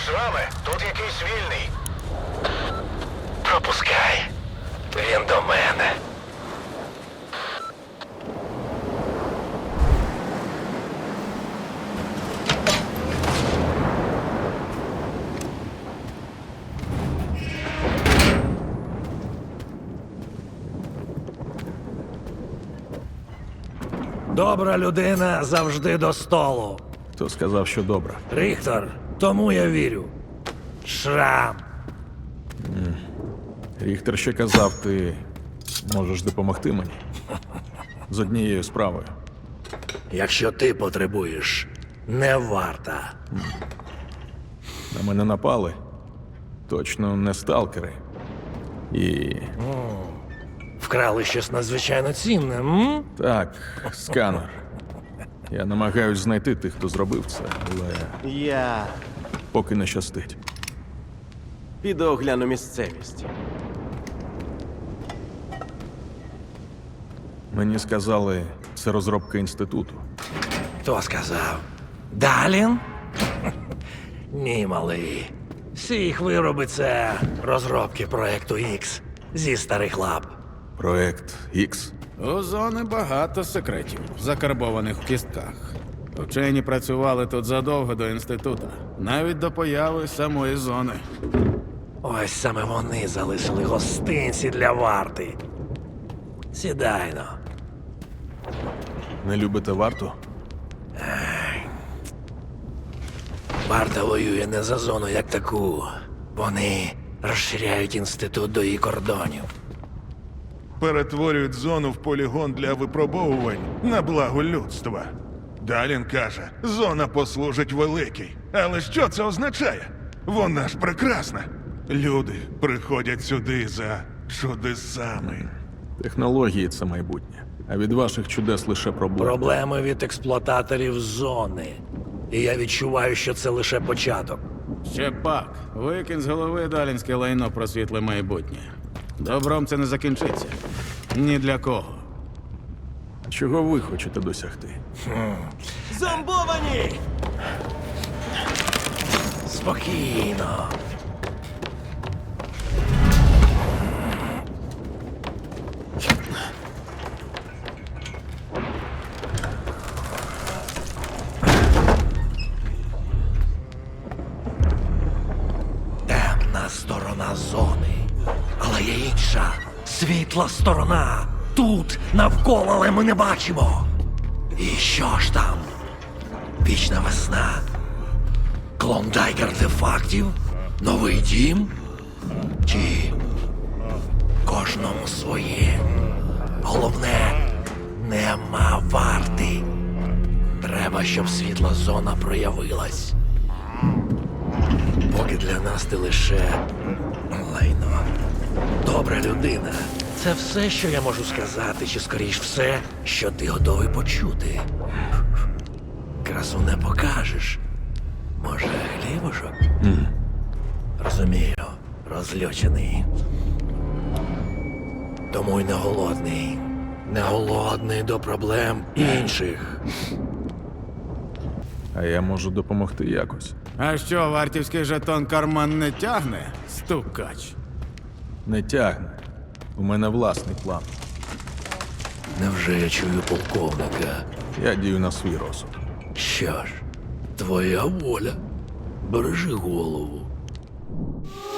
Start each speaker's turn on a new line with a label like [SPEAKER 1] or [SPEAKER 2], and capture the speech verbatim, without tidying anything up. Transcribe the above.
[SPEAKER 1] з вами? Тут якийсь вільний.
[SPEAKER 2] Пропускай. Він до мене.
[SPEAKER 3] Добра людина завжди до столу.
[SPEAKER 4] Хто сказав, що добре?
[SPEAKER 3] Ріхтор, тому я вірю. Шрам.
[SPEAKER 4] Ріхтер ще казав, ти можеш допомогти мені з однією справою.
[SPEAKER 3] Якщо ти потребуєш, не варта.
[SPEAKER 4] На мене напали. Точно не сталкери. І
[SPEAKER 3] Вкрали щось надзвичайно цінне, м?
[SPEAKER 4] так, сканер. Я намагаюсь знайти тих, хто зробив це, але
[SPEAKER 5] Я
[SPEAKER 4] поки не щастить.
[SPEAKER 5] піду огляну місцевість.
[SPEAKER 4] Мені сказали, це розробка інституту.
[SPEAKER 3] Хто сказав? Далін? Ні, малий. Всі їх вироби це розробки проекту X зі старих лап.
[SPEAKER 4] Проект X.
[SPEAKER 6] У зони багато секретів, закарбованих в кістках. Вчені працювали тут задовго до інституту, навіть до появи самої зони.
[SPEAKER 3] Ось саме вони залишили гостинці для варти. Сідайно.
[SPEAKER 4] Не любите варту?
[SPEAKER 3] Варта воює не за зону як таку. Вони розширяють інститут до її кордонів.
[SPEAKER 1] Перетворюють зону в полігон для випробовувань на благо людства. Далін каже, зона послужить великій. Але що це означає? Вона ж прекрасна. Люди приходять сюди за чудесами.
[SPEAKER 4] Технології – це майбутнє. А від ваших чудес лише проблеми.
[SPEAKER 3] Проблеми від експлуататорів зони. І я відчуваю, що це лише початок.
[SPEAKER 6] Ще пак, викинь з голови далінське лайно про світле майбутнє. Добром це не закінчиться. Ні для кого.
[SPEAKER 4] Чого ви хочете досягти?
[SPEAKER 5] Зомбовані!
[SPEAKER 3] Спокійно. Темна сторона зони. Але є інша, світла сторона. Тут, навколо, але ми не бачимо. І що ж там? Вічна весна. Клондайк артефактів? Новий дім? Чи кожному своє? Головне, нема варти. Треба, щоб світла зона проявилась. Поки для нас ти лише лайно. Добра людина. Це все, що я можу сказати, чи скоріш все, що ти готовий почути. Красу не покажеш. Може, хлібушок?
[SPEAKER 4] Mm.
[SPEAKER 3] Розумію, розлючений. Тому й не голодний. Не голодний до проблем інших.
[SPEAKER 4] А я можу допомогти якось.
[SPEAKER 6] А що, вартівський жетон карман не тягне? Стукач.
[SPEAKER 4] Не тягне. У мене власний план.
[SPEAKER 3] Невже я чую полковника?
[SPEAKER 4] Я дію на свій розсуд.
[SPEAKER 3] Що ж, твоя воля. Бережи голову.